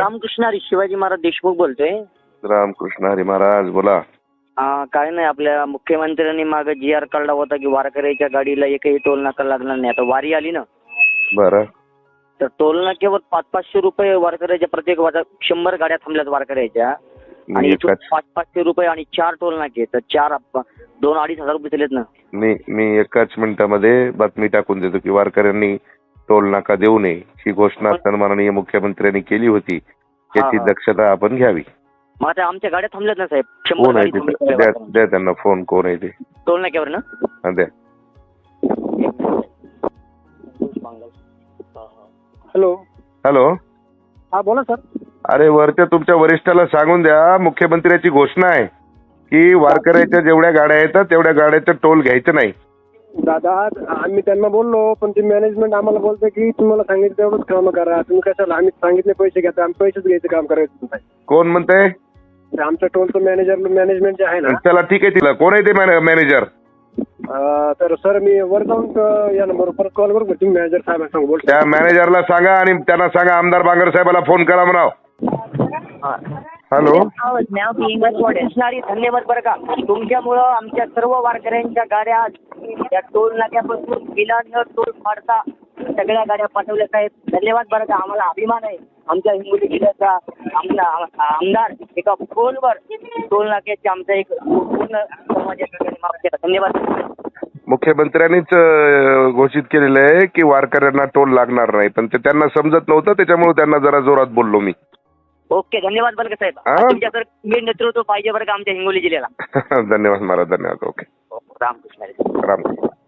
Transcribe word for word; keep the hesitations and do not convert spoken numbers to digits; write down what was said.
रामकृष्ण हरी शिवाजी महाराज देशमुख बोलतोय. रामकृष्ण हरी महाराज बोला. हा, काय नाही, आपल्या मुख्यमंत्र्यांनी मागे जी आर काढला होता की वारकऱ्याच्या गाडीला एकही टोल नाका लागणार नाही. आता वारी आली ना, बरं. तर टोल नाक्यावर पाच पाचशे रुपये वारकऱ्याच्या प्रत्येक वाजा शंभर गाड्या थांबल्यात वारकऱ्याच्या, आणि मी इथून एकाच पाच पाचशे रुपये आणि चार टोल नाके, तर चार दोन अडीच हजार रुपये दिलेत ना. मी मी एकाच मिनिटामध्ये बातमी टाकून देतो की वारकऱ्यांनी टोल नाका देऊ नये ही घोषणा सन्माननीय मुख्यमंत्र्यांनी केली होती. याची हा. दक्षता आपण घ्यावी. मग आता आमच्या गाड्या थांबल्यात ना साहेब, शंभर कोण आहे गाडी ते? थांबल्यात द्या वारकऱ्यांच्या. द्या त्यांना फोन. कोण आहे ते? टोल नाक्यावर ना. हा, द्या. हॅलो. हॅलो. हा बोला सर. अरे वरच्या तुमच्या वरिष्ठाला सांगून द्या, मुख्यमंत्र्याची घोषणा आहे की वारकऱ्याच्या जेवढ्या गाड्या येतात तेवढ्या गाड्याचं टोल घ्यायचं नाही. दादा आम्ही त्यांना बोललो, पण ते मॅनेजमेंट आम्हाला बोलते की तुम्हाला सांगितलं तेवढंच काम करा, तुम्ही कशाला आम्ही सांगितले पैसे घ्या, आम्ही पैसेच घ्यायचं काम करायचं नाही. कोण म्हणतंय? आमचं टोलचं मॅनेजर मॅनेजमेंट जे आहे ना. चला ठीक आहे. तिला कोण आहे ते मॅनेजर? अं, तर सर मी वर जाऊन अं, या नंबरवर परत कॉल करू का? तुम्ही मॅनेजर साहेबांना सांगू बोलतो. त्या मॅनेजरला सांगा आणि त्यांना सांगा आमदार बांगर साहेबाला फोन करा म्हणाव. हॅलो. कृष्णारी धन्यवाद बरं का, तुमच्यामुळं आमच्या सर्व वारकऱ्यांच्या गाड्या त्या टोल नाक्यापासून बिलानं टोल फाडता सगळ्या गाड्या पाठवल्या साहेब. धन्यवाद बरं का, आम्हाला अभिमान आहे आमच्या हिंगोली जिल्ह्याचा. आमचा आमदार एका फोनवर टोल नाक्याचे आमचा एक पूर्ण समाजाच्या माफ केला. धन्यवाद. मुख्यमंत्र्यांनीच अं, घोषित केलेलं आहे की वारकऱ्यांना टोल लागणार नाही, पण ते त्यांना समजत नव्हतं, त्याच्यामुळे त्यांना जरा जोरात बोललो मी. ओके, धन्यवाद बरं का साहेब. हा? तुमच्यासारखं मी नेतृत्व पाहिजे बरं का आमच्या हिंगोली जिल्ह्याला. धन्यवाद महाराज. धन्यवाद. ओके. रामकृष्ण. रामकृष्ण.